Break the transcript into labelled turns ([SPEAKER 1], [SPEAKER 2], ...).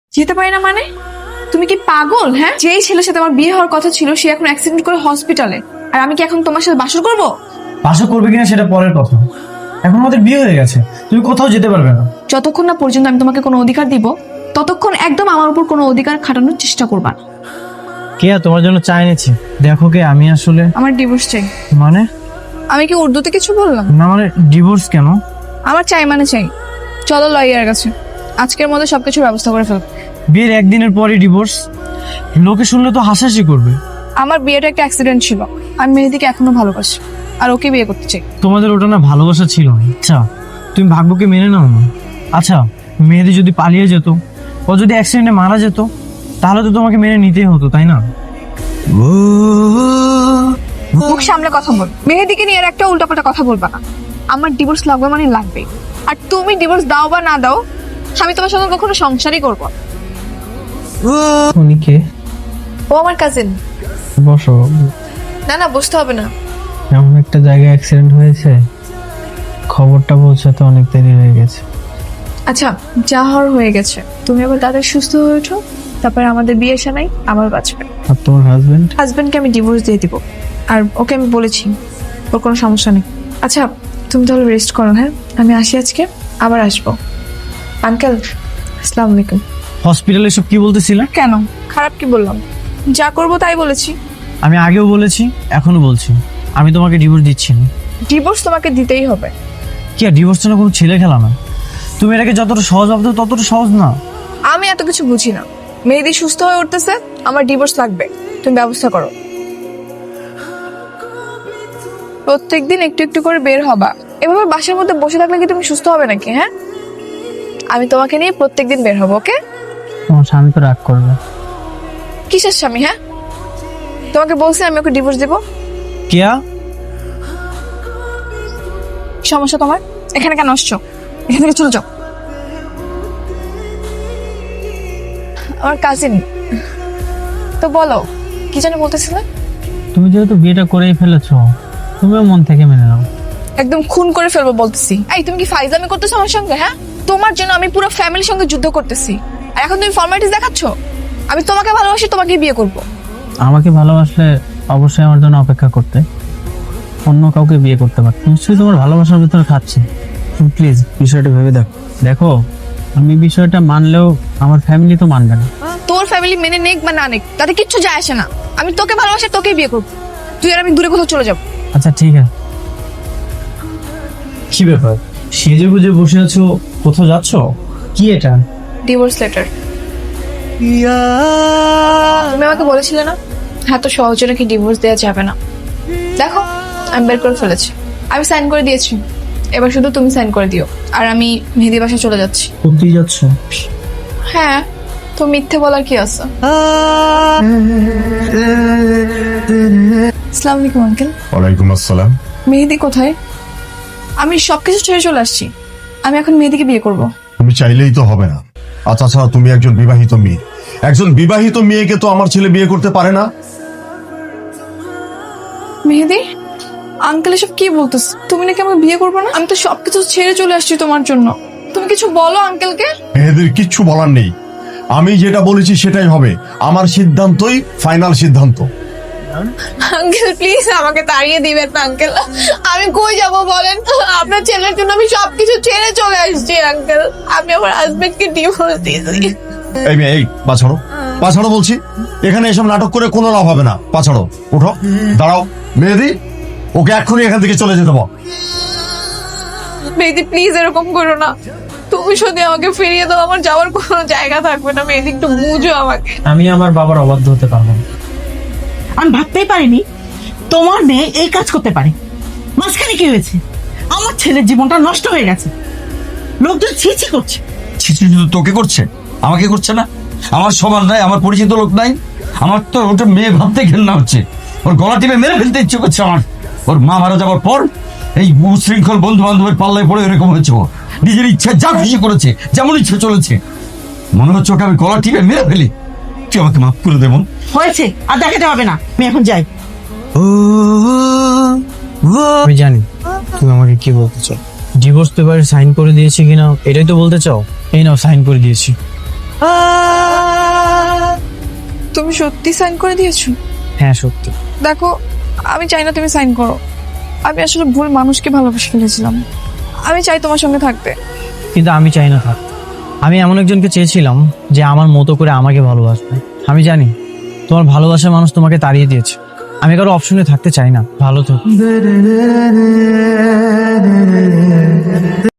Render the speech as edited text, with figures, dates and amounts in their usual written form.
[SPEAKER 1] যেতে পারি না মানে? তুমি কি পাগল? হ্যাঁ, যেই ছেলের সাথে আমার বিয়ে হওয়ার কথা ছিল সে এখন অ্যাক্সিডেন্ট করে হসপিটালে, আর আমি কি এখন তোমার সাথে বাসর করবো?
[SPEAKER 2] বাসা করবে কিনা সেটা পরের কথা, এখন আমাদের বিয়ে হয়ে গেছে, তুমি কোথাও যেতে পারবে না।
[SPEAKER 1] যতক্ষণ না পর্যন্ত আমি তোমাকে কোনো অধিকার দিব ততক্ষণ একদম আমার উপর কোনো অধিকার খাটানোর চেষ্টা করবা না।
[SPEAKER 2] কেয়া, তোমার জন্য চা এনেছি। দেখো কে, আমি আসলে
[SPEAKER 1] আমার ডিভোর্স চাই।
[SPEAKER 2] মানে
[SPEAKER 1] আমি কি উর্দুতে কিছু বললাম?
[SPEAKER 2] না, মানে ডিভোর্স কেন?
[SPEAKER 1] আমার চাই মানে চাই। চলো লয়ার কাছে, আজকের মধ্যে সবকিছুর ব্যবস্থা করে ফেল।
[SPEAKER 2] বিয়ের একদিনের পরই ডিভোর্স? লোকে শুনলে তো হাসাহাসি করবে।
[SPEAKER 1] আমার বিয়েটা একটা অ্যাক্সিডেন্ট ছিল, আমি মেহেদিকে এখনো ভালোবাসি আর ওকে বিয়ে করতে চাই।
[SPEAKER 2] তোমাদের ওটা না ভালোবাসা ছিল না। আচ্ছা, তুমি ভাগ্যকে মেনে নাও না। আচ্ছা, মেহেদি যদি পালিয়ে যেত, ও যদি অ্যাক্সিডেন্টে মারা যেত, তাহলে তো তোমাকে মেনে নিতেই হতো, তাই না?
[SPEAKER 1] মুখ সামলে কথা বল। মেহেদিকে নিয়ে আর একটা উল্টাপাল্টা কথা বলবা না। আমার ডিভোর্স লাগবে মানে লাগবে, আর তুমি ডিভোর্স দাও বা না দাও আমি তোমার সঙ্গে কখনো সংসারই করবো না।
[SPEAKER 2] উনি কে?
[SPEAKER 1] ও আমার কাজিন।
[SPEAKER 2] বসো।
[SPEAKER 1] না না, বুঝতে হবে না।
[SPEAKER 2] এমন একটা জায়গায় অ্যাক্সিডেন্ট হয়েছে, খবরটা পৌঁছাতে অনেক দেরি হয়ে গেছে।
[SPEAKER 1] আচ্ছা, যা হওয়ার হয়ে গেছে, তুমি আবার তাদের সুস্থ হয়ে ওঠো, তারপরে আমাদের বিয়ে সানাই আমার বাঁচবে।
[SPEAKER 2] আর তোমার
[SPEAKER 1] হাজবেন্ডকে আমি ডিভোর্স দিয়ে দিব, আর ওকে আমি বলেছি ওর কোনো সমস্যা নেই। আচ্ছা, তুমি তাহলে রেস্ট করো। হ্যাঁ, আমি আসি আজকে, আবার আসবো। আঙ্কেল, আসসালামু আলাইকুম।
[SPEAKER 2] হসপিটালে সব কি বলতেছিলে?
[SPEAKER 1] কেন, খারাপ কি বললাম? যা করবো তাই বলেছি।
[SPEAKER 2] আমি আগেও বলেছি, এখনো বলছি, আমি তোমাকে ডিভোর্স দিচ্ছি না।
[SPEAKER 1] ডিভোর্স তোমাকে দিতেই হবে।
[SPEAKER 2] কি আর ডিভোর্স না কোনো ছেলে খেলা না। তুমি এটাকে যতটা সহজ ভাবছো ততটা সহজ না।
[SPEAKER 1] আমি এত কিছু বুঝি না। মেহেদি সুস্থ হয়ে উঠতেছে, আমার ডিভোর্স লাগবে, তুমি ব্যবস্থা করো। প্রত্যেকদিন একটু একটু করে বের হবা। এভাবে বাসার মধ্যে বসে থাকলে কি তুমি সুস্থ হবে নাকি? হ্যাঁ, আমি তোমাকে নিয়ে প্রত্যেকদিন বের হবো। ওকে?
[SPEAKER 2] তোমার স্বামী তো রাগ করবে।
[SPEAKER 1] কিসের স্বামী? হ্যাঁ, তোমাকে বলছি আমি ওকে ডিভোর্স দেবো।
[SPEAKER 2] কেয়া,
[SPEAKER 1] সমস্যা তোমার? এখানে কেন আসছো? এখান থেকে চলে যাও। আমার কাজিন তো, বলো কি জানি বলতেছিলে?
[SPEAKER 2] তুমি যেহেতু বিয়েটা করেই ফেলেছো, তুমিও মন থেকে মেনে নাও।
[SPEAKER 1] একদম খুন করে ফেলবো বলতেছি। এই, তুমি কি ফাইজলামি করতেছো আমার সঙ্গে? হ্যাঁ, তোমার জন্য আমি পুরো ফ্যামিলির সঙ্গে যুদ্ধ করতেছি, আর এখন তুমি ফর্মালিটিস দেখাচ্ছ। আমি তোমাকে ভালোবাসি, তোমাকে বিয়ে করব।
[SPEAKER 2] আমাকে ভালোবাসলে অবশ্যই আমার জন্য অপেক্ষা করতে, অন্য কাউকে বিয়ে করতে পারতে। নিশ্চয়ই তোমার ভালোবাসার ভিতরে খাচ্ছে। তুমি প্লিজ বিষয়টা ভেবে দেখো। দেখো, আমি বিষয়টা মানলেও আমার ফ্যামিলি তো মানবে না।
[SPEAKER 1] তোর ফ্যামিলি মেনে নেক বা না নেক তাতে কিচ্ছু যায় আসে না। আমি তোকে ভালোবাসি, তোকেই বিয়ে করবো। তুই আর আমি দূরে কোথাও চলে যাবো।
[SPEAKER 2] আচ্ছা ঠিক আছে। কি ব্যাপার, সেজে গুজে বসে আছো, কোথাও যাচ্ছ? কি এটা?
[SPEAKER 1] Divorce letter. তুমি আমাকে বলেছিলে না হ্যাঁ, তো সহজে নাকি ডিভোর্স দেওয়া যাবে না। দেখো, আমি বের করে ফেলেছি, আমি সাইন করে দিয়েছি। এবার শুধু তুমি সাইন করে দিও, আর আমি মেহেদি বাসায় চলে যাচ্ছি।
[SPEAKER 2] কোথায় যাচ্ছ?
[SPEAKER 1] হ্যাঁ, তো মিথ্যে বলার কি আছে? আসসালামু আলাইকুম আঙ্কেল।
[SPEAKER 3] ওয়ালাইকুম আসসালাম।
[SPEAKER 1] মেহেদি কোথায়? আমি সবকিছু ছেড়ে চলে আসছি। আমি এখন মেহেদিকে বিয়ে করব।
[SPEAKER 3] তুমি চাইলেই তো হবে না। আচ্ছা আচ্ছা, তুমি একজন বিবাহিত মেয়ে, একজন বিবাহিত মেয়েকে তো আমার ছেলে বিয়ে করতে পারে না।
[SPEAKER 1] মেহেদি, আঙ্কেল এসব কি বলতেছ? তুমি নাকি আমাকে বিয়ে করবে না? আমি তো সবকিছু ছেড়ে চলে আসছি তোমার জন্য। তুমি কিছু বলো আঙ্কেলকে।
[SPEAKER 3] মেয়েদের কিচ্ছু বলার নেই, আমি যেটা বলেছি সেটাই হবে। আমার সিদ্ধান্তই ফাইনাল সিদ্ধান্ত।
[SPEAKER 1] আঙ্কেল প্লিজ আমাকে তাড়িয়ে দিবেন না আঙ্কেল। আমি কই যাব বলেন? আপনার ছেলের জন্য আমি সবকিছু ছেড়ে চলে আসছি আঙ্কেল। আমি আমার হাজবেন্ডকে ডিভোর্স দিয়েছি।
[SPEAKER 3] এই মেয়ে, এই পাছাড়ো, পাছাড়ো বলছি। এখানে এসব নাটক করে কোনো লাভ হবে না। পাছাড়ো, উঠো, দাঁড়াও। মেহেদি, ওকে এক্ষুনি এখান থেকে চলে যেতে বল।
[SPEAKER 1] মেহেদি প্লিজ এরকম করো না। তুমি যদি আমাকে ফিরিয়ে দাও আমার যাওয়ার কোনো জায়গা থাকবে না। মেহেদি একটু বুঝো আমাকে।
[SPEAKER 2] আমি আমার বাবার অবাধ্য হতে পারবো না।
[SPEAKER 4] আমি ভাবতেই পারিনি তোমার মেয়ে এই কাজ করতে পারে। মাঝখানে কি হয়েছে? আমার ছেলের জীবনটা নষ্ট হয়ে গেছে। লোকজন ছিছি করছে।
[SPEAKER 5] ছিছি শুধু তোকে করছে, আমাকে করছে না? আমার সমান নাই, আমার পরিচিত লোক নাই? আমার তো ওটা মেয়ে ভাবতে ঘেন্না হচ্ছে। ওর গলা টিপে মেরে ফেলতে ইচ্ছে করছে আমার। ওর মা মারা যাওয়ার পর এই উশৃঙ্খল বন্ধু বান্ধবের পাল্লায় পড়ে এরকম হয়েছে। ও নিজের ইচ্ছা যা খুশি করেছে, যেমন ইচ্ছে চলেছে। মনে হচ্ছে ওকে আমি গলা টিপে মেরে ফেলি। তুই আমাকে মাফ করে দেবো।
[SPEAKER 4] হয়েছে, আর দেখাতে হবে না। আমি এখন যাই।
[SPEAKER 2] আমি জানি তুমি আমাকে কি বলতে চাও। ডিভোর্স পেপারে সাইন করে দিয়েছি কিনা এটাই তো বলতে চাও। এই নাও, সাইন করে দিয়েছি।
[SPEAKER 1] তুমি সত্যি সাইন করে দিয়েছো?
[SPEAKER 2] হ্যাঁ সত্যি।
[SPEAKER 1] দেখো, আমি চাই না তুমি সাইন করো। আমি আসলে ভুল মানুষকে ভালোবেসে ফেলেছিলাম। আমি চাই তোমার সঙ্গে থাকতে।
[SPEAKER 2] কিন্তু আমি চাই না থাক। আমি এমন একজনকে চেয়েছিলাম যে আমার মতো করে আমাকে ভালোবাসবে। আমি জানি তোমার ভালোবাসার মানুষ তোমাকে তাড়িয়ে দিয়েছে। আমি কারো অপশনে থাকতে চাই না। ভালো থেকো।